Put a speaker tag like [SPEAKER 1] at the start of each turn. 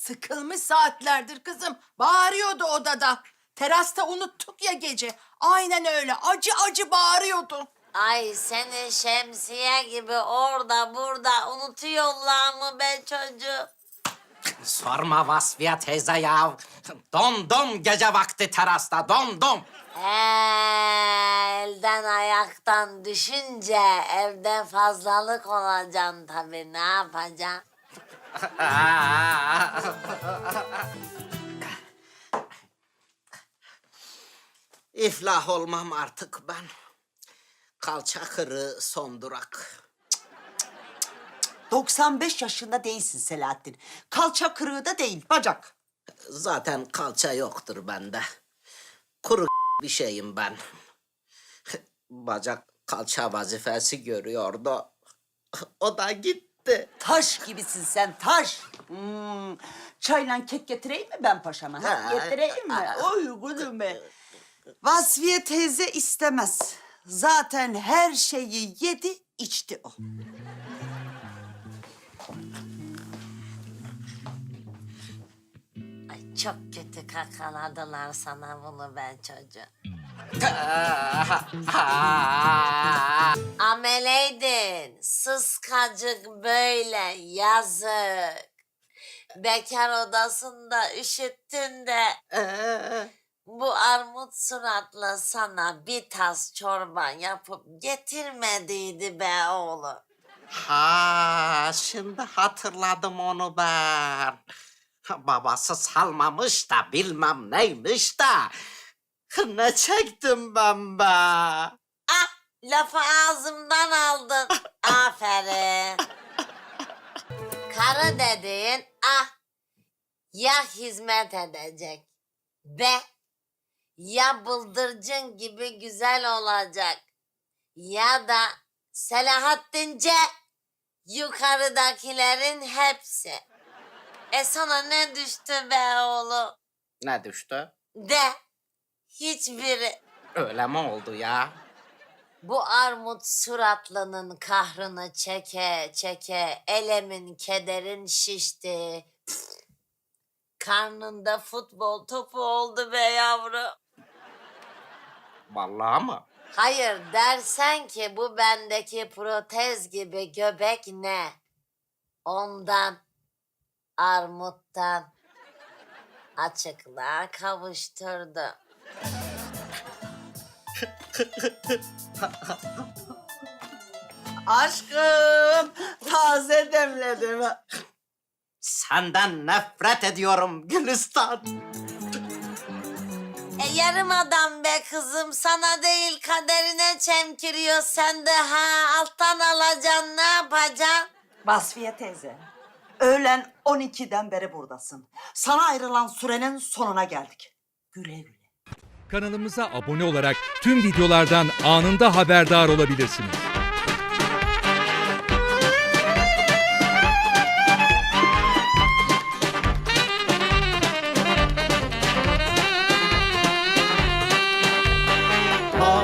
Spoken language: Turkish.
[SPEAKER 1] Sıkılmış saatlerdir kızım. Bağırıyordu odada. Terasta unuttuk ya gece. Aynen öyle. Acı acı bağırıyordu.
[SPEAKER 2] Ay seni şemsiye gibi orada burada unutuyorlar mı be çocuğum?
[SPEAKER 3] Sorma Vasfiye teyze ya. Dondum gece vakti terasta, dondum.
[SPEAKER 2] Elden ayaktan düşünce evde fazlalık olacaksın tabii, ne yapacaksın?
[SPEAKER 3] İflah olmam artık ben. Kalça kırığı son durak.
[SPEAKER 4] 95 yaşında değilsin Selahattin. Kalça kırığı da değil, bacak.
[SPEAKER 3] Zaten kalça yoktur bende. Kuru bir şeyim ben. Bacak kalça vazifesi görüyordu. O da gitti.
[SPEAKER 4] Taş gibisin sen, taş. Çayla kek getireyim mi ben paşama? Ha? Getireyim mi? Oy kuzum be. Vasfiye teyze istemez. Zaten her şeyi yedi, içti o.
[SPEAKER 2] Ay çok kötü kakaladılar sana bunu be çocuğum. Ameleydin, sıskacık böyle, yazık. Bekar odasında üşüttün de bu armut suratla sana bir tas çorba yapıp getirmediydi be oğlum.
[SPEAKER 3] Ha, şimdi hatırladım onu ben. Babası salmamış da bilmem neymiş da. Ne çektim ben be?
[SPEAKER 2] Ah, lafı ağzımdan aldın. Aferin. Karı dediğin ya hizmet edecek ya bıldırcın gibi güzel olacak ya da Selahattince yukarıdakilerin hepsi. Sana ne düştü be oğlum?
[SPEAKER 3] Ne düştü?
[SPEAKER 2] De hiçbiri.
[SPEAKER 3] Öyle mi oldu ya?
[SPEAKER 2] Bu armut suratlının kahrını çeke çeke elemin kederin şişti. Karnında futbol topu oldu be yavru.
[SPEAKER 3] Vallahi mı?
[SPEAKER 2] Hayır dersen ki bu bendeki protez gibi göbek ne? Ondan, armuttan açıklığa kavuşturdu.
[SPEAKER 4] Aşkım, taze demledim.
[SPEAKER 3] Senden nefret ediyorum Gülistan.
[SPEAKER 2] Yarım adam be kızım, sana değil kaderine çemkiriyor. Sen de alttan alacaksın, ne yapacaksın?
[SPEAKER 4] Vasfiye teyze, öğlen 12'den beri buradasın. Sana ayrılan sürenin sonuna geldik. Güle güle.
[SPEAKER 5] Kanalımıza abone olarak tüm videolardan anında haberdar olabilirsiniz.